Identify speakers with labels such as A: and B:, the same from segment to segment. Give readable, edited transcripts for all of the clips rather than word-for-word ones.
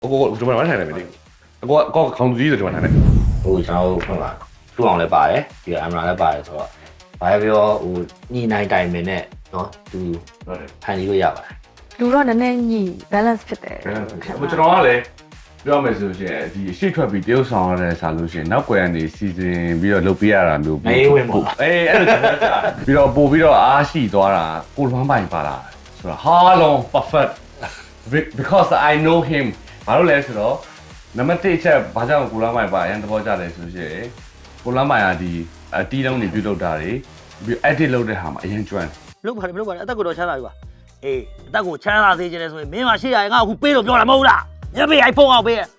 A: ကိုကျွန်တော်ထိုင်နေပြီကိုခေါင်းကြီးဆိုကျွန်တော်ထိုင်နေ
B: ဟိုကျွန်တော်ဖွင့်ပါထူအောင်လည်းပါတယ်ဒီအမ်ရာလည်းပါတယ်ဆိုတော့ဘာပြောဟိုညနိုင်တိုင်မင်းနဲ့နော်သူဖန်ပြီးလို့ရပါတယ်
C: လူတော့နည်းနည်းညီ balance ဖြစ်တယ်
A: ကျွန်တော်ကလည်းပြောမယ်ဆိုရင်ဒီရှေ့ထွက်ပြီးတရုတ်ဆောင်ရတဲ့ဆာလို့ရှိရင်နောက်ွယ်ကနေစီစဉ်ပြီးတော့လုပ်ပြရတာမျိုး
B: အေးဝင်ပါ
A: အေးအဲ့လိုပြီးတော့ပို့ပြီးတော့အားရှိသွားတာကိုလွမ်းပိုင်ပါလာဆိုတော့ဟာလုံး perfect because I know him ဘာလို့လဲဆိုတော့နံပါတ်1ချက်ဘာကြောင့်ကိုလွမ်းပိုင်ပါအရင်သဘောကျတယ်ဆိုရှင်ကိုလွမ်းပိုင်ကဒီတီးလုံးတွေပြုတ်လောက်တာတွေပြီး edit လုပ်တဲ့ဟာမှာအရင်ကျွမ်း
D: လုပ်ပါတယ်အသက်ကိုတော့ချမ်းသာပြီပါအေးအသက်ကိုချမ်းသာစေချင်တယ်ဆိုရင်မင်းမရှိရရင်ငါအခုပေးလို့ပြောတာမဟုတ်လားညပေး iPhone အောင်ပေးရ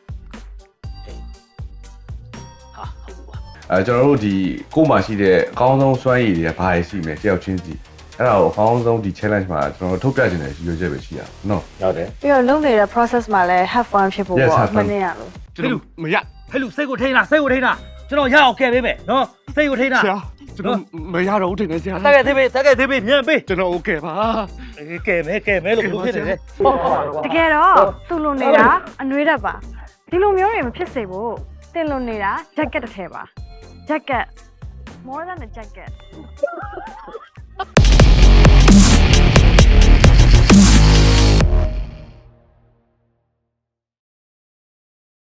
D: ဟာဟုတ်ပါ
A: ကျွန်တော်တို့ဒီကို့မှာရှိတဲ့အကောင်းဆုံးစွမ်းရည်တွေကဘာတွေရှိမလဲတယောက်ချင်းစီအဲ့ဒါကိုအကောင်းဆုံးဒီ challenge မှာကျွန်တော်တို့ထုတ်ပြချင်တဲ့ရည်ရွယ်ချက်ပဲရှိရအောင်နော်
B: ဟုတ်တယ်
C: ပြီးတော့လုပ်နေတဲ့ process မှာလည်း have fun ဖြစ်ဖို့ပေါ့မနေရလို့
A: ကျွန်တော်မရ
D: ဟဲ့လူစိတ်ကိုထိန်းလားစိတ်ကိုထိန်းလားကျွန်တော်ရအောင်ကဲပေးမယ်နော်စိတ်ကိုထိန်းလား
A: ဆရာကျွန်တော်မရတော့ဘူးတင်နေဆရာ
D: တကယ်သေးပေးမြန်ပေး
A: ကျွန်တော်โอเคပါ
D: ကဲမဲလို့ဘယ်လိုဖြစ်နေလဲ
C: တကယ်တော့သူ့လိုနေတာအနှွေးတတ်ပါဒီလိုမျိုးတွေမဖြစ်စေဖို့တင်လိုနေတာ jacket တစ်ထည်ပါ jacket more than a jacket